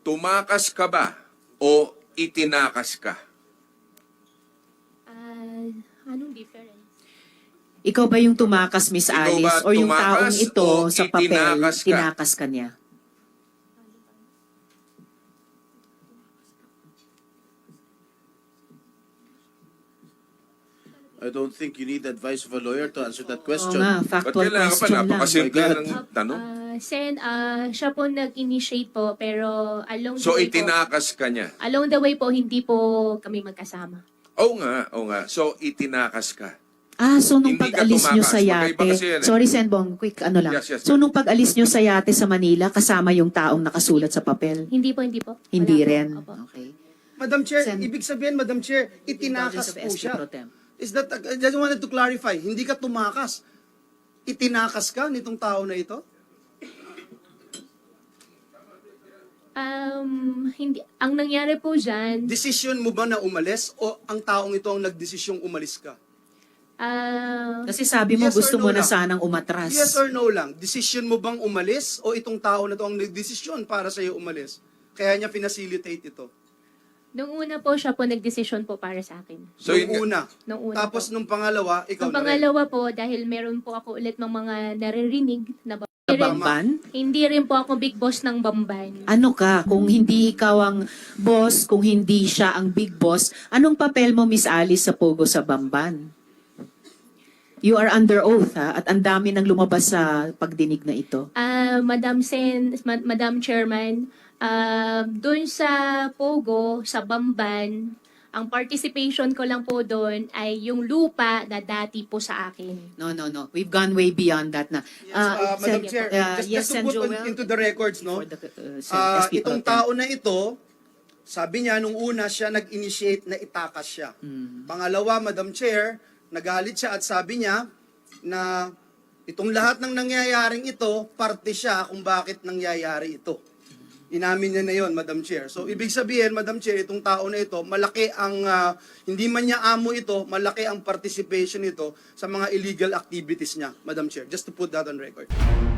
tumakas ka ba o itinakas ka? Anong difference? Ikaw ba yung tumakas, Miss Ikaw Alice? ba O yung tumakas taong ito o sa papel, itinakas ka? tinakas ka niya? I don't think you need advice of a lawyer to answer that Oo question. nga, Ba't factual kailangan pa? question lang. Napakasimple My God. ng tanong. Sen, siya po nag-initiate po, pero along So, the way po, itinakas ka niya. along the way po, hindi po kami magkasama. Oo nga. So, itinakas ka. So nung Hindi ka pag-alis nyo tumakas. sa Magkaiba yate, kasi yan eh. sorry Senbong, quick ano lang. Yes, So ma'am. nung pag-alis nyo sa yate sa Manila, kasama yung taong nakasulat sa papel? Hindi po, hindi po. Hindi Wala po. rin? Opo. Okay. Madam Chair, Sen- ibig sabihin, Madam Chair, itinakas Indulgence of po SP siya. Pro Tem. Is that, I just wanted to clarify, hindi ka tumakas. Itinakas ka nitong tao na ito? Hindi. Ang nangyari po dyan, Decision mo ba na umalis o ang taong ito ang nagdesisyong umalis ka? Kasi sabi mo Yes or gusto no mo na lang? sanang umatras. Yes or no lang? Decision mo bang umalis o itong tao na ito ang nagdesisyon para sa'yo umalis? Kaya niya pinacilitate ito. nung una po siya po nagdesisyon po para sa akin. So, yun nga. Nung una Tapos po. nung pangalawa, ikaw Ang na rin. pangalawa po, dahil meron po ako ulit ng mga naririnig na Sa Bamban? Hindi rin po ako big boss ng Bamban. Ano ka? Kung hindi ikaw ang boss, kung hindi siya ang big boss, anong papel mo, Miss Alice, sa Pogo sa Bamban? You are under oath, ha? At ang dami nang lumabas sa pagdinig na ito. Madam Chairman, doon sa Pogo, sa Bamban, ang participation ko lang po doon ay yung lupa na dati po sa akin. No. We've gone way beyond that na. Madam Sen- Chair, yes, just Sen to put Joel, into the records, no? for the, SP Pro Itong Tem. tao na ito, sabi niya, nung una siya nag-initiate na itakas siya. Pangalawa, Madam Chair, nagalit siya at sabi niya na itong lahat ng nangyayaring ito, parte siya kung bakit nangyayari ito. Inamin niya na yon, Madam Chair. So, ibig sabihin, Madam Chair, itong tao na ito, malaki ang, hindi man niya amo ito, malaki ang participation nito sa mga illegal activities niya, Madam Chair. Just to put that on record.